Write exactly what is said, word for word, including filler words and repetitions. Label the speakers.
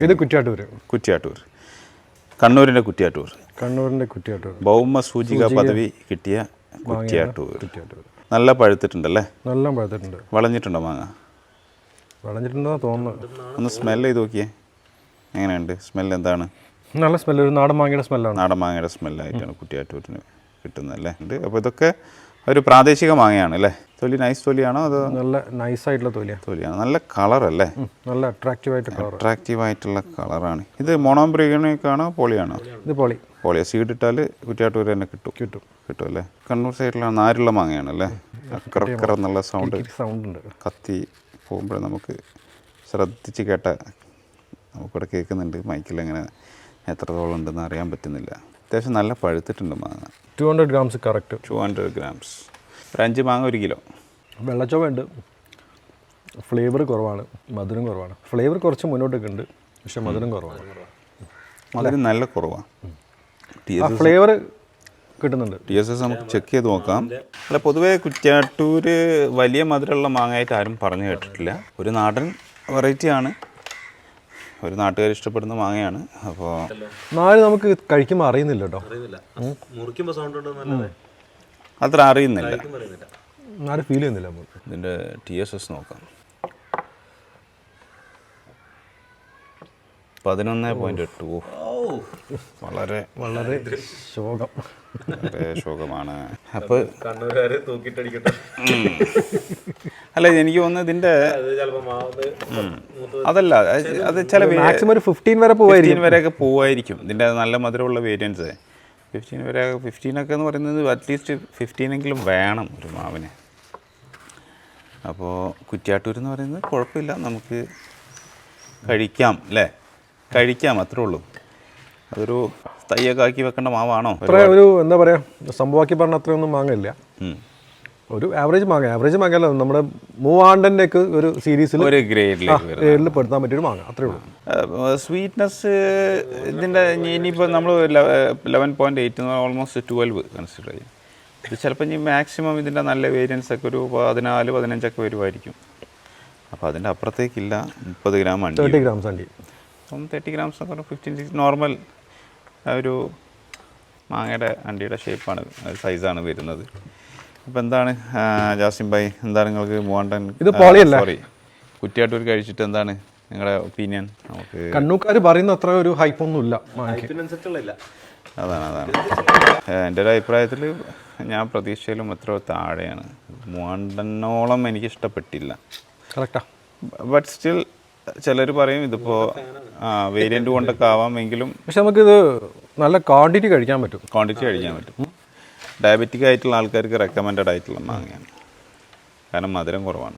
Speaker 1: ഇത് കുറ്റ്യാട്ടൂർ.
Speaker 2: കുറ്റ്യാട്ടൂർ, കണ്ണൂരിൻ്റെ കുറ്റ്യാട്ടൂർ.
Speaker 1: കണ്ണൂരിൻ്റെ കുറ്റ്യാട്ടൂർ.
Speaker 2: ഭൗമ സൂചിക പദവി കിട്ടിയ കുറ്റ്യാട്ടൂർ. നല്ല പഴുത്തിട്ടുണ്ടല്ലേ?
Speaker 1: നല്ല പഴുത്തിട്ടുണ്ട്.
Speaker 2: വളഞ്ഞിട്ടുണ്ടോ മാങ്ങ?
Speaker 1: വളഞ്ഞിട്ടുണ്ടെന്ന് തോന്നുന്നു.
Speaker 2: ഒന്ന് സ്മെല്ല് ചെയ്ത് നോക്കിയേ, എങ്ങനെയുണ്ട് സ്മെല്ല്? എന്താണ്?
Speaker 1: നല്ല സ്മെല്ല്, ഒരു നാടൻ മാങ്ങയുടെ സ്മെല്ലാണ്.
Speaker 2: നാടൻ മാങ്ങയുടെ സ്മെല്ലായിട്ടാണ് കുറ്റ്യാട്ടൂരിന് കിട്ടുന്നത് അല്ലേ? ഉണ്ട്. അപ്പോൾ ഇതൊക്കെ ഒരു പ്രാദേശിക മാങ്ങയാണ് അല്ലേ? തൊലി നൈസ് തൊലിയാണോ അതോ?
Speaker 1: നല്ല നൈസായിട്ടുള്ള തൊലിയാണ്.
Speaker 2: തൊലിയാണ്. നല്ല കളറല്ലേ?
Speaker 1: നല്ല അട്രാക്റ്റീവായിട്ട് കളർ.
Speaker 2: അട്രാക്റ്റീവായിട്ടുള്ള കളറാണ്. ഇത് മോണോബ്രിഗണിക്കാണോ പോളിയാണോ?
Speaker 1: ഇത് പോളി.
Speaker 2: പോളിയോ സീഡ് ഇട്ടാൽ കുറ്റ്യാട്ടൂർ തന്നെ കിട്ടും. കിട്ടും കിട്ടും അല്ലേ? കണ്ണൂർ സൈഡിലാണ് നാരുള്ള മാങ്ങയാണ് അല്ലേ? അക്കറക്കറ എന്നുള്ള സൗണ്ട്
Speaker 1: സൗണ്ട് ഉണ്ട്.
Speaker 2: കത്തി പോകുമ്പോൾ നമുക്ക് ശ്രദ്ധിച്ച് കേട്ട നമുക്കിവിടെ കേൾക്കുന്നുണ്ട്. മൈക്കിൽ എങ്ങനെ എത്രത്തോളം ഉണ്ടെന്ന് അറിയാൻ പറ്റുന്നില്ല. അത്യാവശ്യം നല്ല പഴുത്തിട്ടുണ്ട് മാങ്ങ.
Speaker 1: Two hundred grams correct.
Speaker 2: Two hundred grams ഒരു അഞ്ച് മാങ്ങ ഒരു കിലോ.
Speaker 1: വെള്ളച്ചോവ ഉണ്ട്. ഫ്ലേവർ കുറവാണ്, മധുരം കുറവാണ്. ഫ്ലേവർ കുറച്ച് മുന്നോട്ടൊക്കെ ഉണ്ട്, പക്ഷെ മധുരം കുറവാണ്.
Speaker 2: മധുരം നല്ല കുറവാണ്.
Speaker 1: ഫ്ലേവർ കിട്ടുന്നുണ്ട്.
Speaker 2: ടി എസ് എസ് നമുക്ക് ചെക്ക് ചെയ്ത് നോക്കാം. അല്ല, പൊതുവേ കുറ്റ്യാട്ടൂർ വലിയ മധുരമുള്ള മാങ്ങയായിട്ട് ആരും പറഞ്ഞു കേട്ടിട്ടില്ല. ഒരു നാടൻ വെറൈറ്റിയാണ്, ഒരു നാട്ടുകാർ ഇഷ്ടപ്പെടുന്ന മാങ്ങയാണ്. അപ്പോൾ
Speaker 1: നാല് നമുക്ക് കഴിക്കുമ്പോൾ അറിയുന്നില്ല കേട്ടോ,
Speaker 2: അത്ര അറിയുന്നില്ല,
Speaker 1: നാല് ഫീൽ ചെയ്യുന്നില്ല.
Speaker 2: ഇതിൻ്റെ ടി എസ് എസ് നോക്കാം. പതിനൊന്ന് പോയിന്റ് എട്ട്. വളരെ
Speaker 1: വളരെ ശോകം,
Speaker 2: വളരെ ശോകമാണ്. അപ്പോൾ അല്ല, എനിക്ക് തോന്നുന്നത് ഇതിൻ്റെ അതല്ല, അത് ചില
Speaker 1: മാക്സിമം ഒരു ഫിഫ്റ്റീൻ വരെ പോവായിരിക്കും
Speaker 2: വരെയൊക്കെ പോവായിരിക്കും ഇതിൻ്റെ നല്ല മധുരമുള്ള വേരിയൻസ്. ഫിഫ്റ്റീൻ വരെ, ഫിഫ്റ്റീനൊക്കെ എന്ന് പറയുന്നത് അറ്റ്ലീസ്റ്റ് ഫിഫ്റ്റീനെങ്കിലും വേണം ഒരു മാവിന്. അപ്പോൾ കുറ്റ്യാട്ടൂർ എന്ന് പറയുന്നത് കുഴപ്പമില്ല, നമുക്ക് കഴിക്കാം അല്ലേ? കഴിക്കാം, അത്രേ ഉള്ളൂ. അതൊരു തയ്യൊക്കെ ആക്കി വെക്കേണ്ട മാവാണോ?
Speaker 1: അത്ര ഒരു എന്താ പറയുക, സംഭവമാക്കി പറഞ്ഞ അത്രയൊന്നും മാങ്ങയില്ല. ഒരു ആവറേജ് മാങ്ങ. ആവറേജ് മാങ്ങ നമ്മുടെ മൂവാണ്ടൻ്റെ ഒക്കെ ഒരു സീരീസിൽ
Speaker 2: ഒരു ഗ്രേഡിൽ
Speaker 1: പെടുത്താൻ പറ്റിയൊരു മാങ്ങ, അത്രേ ഉള്ളൂ.
Speaker 2: സ്വീറ്റ്നെസ് ഇതിൻ്റെ ഇനിയിപ്പോൾ നമ്മൾ eleven point eight almost twelve consider ചെയ്യും. ഇത് ചിലപ്പോൾ ഇനി മാക്സിമം ഇതിൻ്റെ നല്ല വേരിയൻസ് ഒക്കെ ഒരു പതിനാല് പതിനഞ്ചൊക്കെ വരുമായിരിക്കും. അപ്പോൾ അതിൻ്റെ അപ്പുറത്തേക്കില്ല. മുപ്പത് ഗ്രാം അണ്ടി,
Speaker 1: തേർട്ടി ഗ്രാംസ് അണ്ടി,
Speaker 2: അപ്പം തേർട്ടി ഗ്രാംസ് ഒക്കെ ഫിഫ്റ്റീൻ സിക്സ് നോർമൽ ഒരു മാങ്ങയുടെ അണ്ടിയുടെ ഷേപ്പാണ്, സൈസാണ് വരുന്നത്. അപ്പോൾ എന്താണ് ജാസിം ഭായ്, എന്താണ് നിങ്ങൾക്ക് മൂവാണ്ടൻ സോറി കുറ്റ്യാട്ടൂർ കഴിച്ചിട്ട് എന്താണ് നിങ്ങളുടെ ഒപ്പീനിയൻ? നമുക്ക്
Speaker 1: കണ്ണൂക്കാർ പറയുന്ന അത്ര ഒരു ഹൈപ്പൊന്നുമില്ല.
Speaker 2: അതാണ് അതാണ് എൻ്റെ ഒരു അഭിപ്രായത്തിൽ ഞാൻ പ്രതീക്ഷയിലും എത്രയോ താഴെയാണ്. മൂവാണ്ടനോളം എനിക്ക് ഇഷ്ടപ്പെട്ടില്ല.
Speaker 1: കറക്റ്റാ.
Speaker 2: ബട്ട് സ്റ്റിൽ ചിലർ പറയും ഇതിപ്പോൾ വേരിയൻ്റ് കൊണ്ടൊക്കെ ആവാമെങ്കിലും,
Speaker 1: പക്ഷെ നമുക്കിത് നല്ല ക്വാണ്ടിറ്റി കഴിക്കാൻ പറ്റും.
Speaker 2: ക്വാണ്ടിറ്റി കഴിക്കാൻ പറ്റും. ഡയബറ്റിക് ആയിട്ടുള്ള ആൾക്കാർക്ക് റെക്കമെൻഡഡ് ആയിട്ടുള്ള മാങ്ങയാണ്, കാരണം മധുരം കുറവാണ്.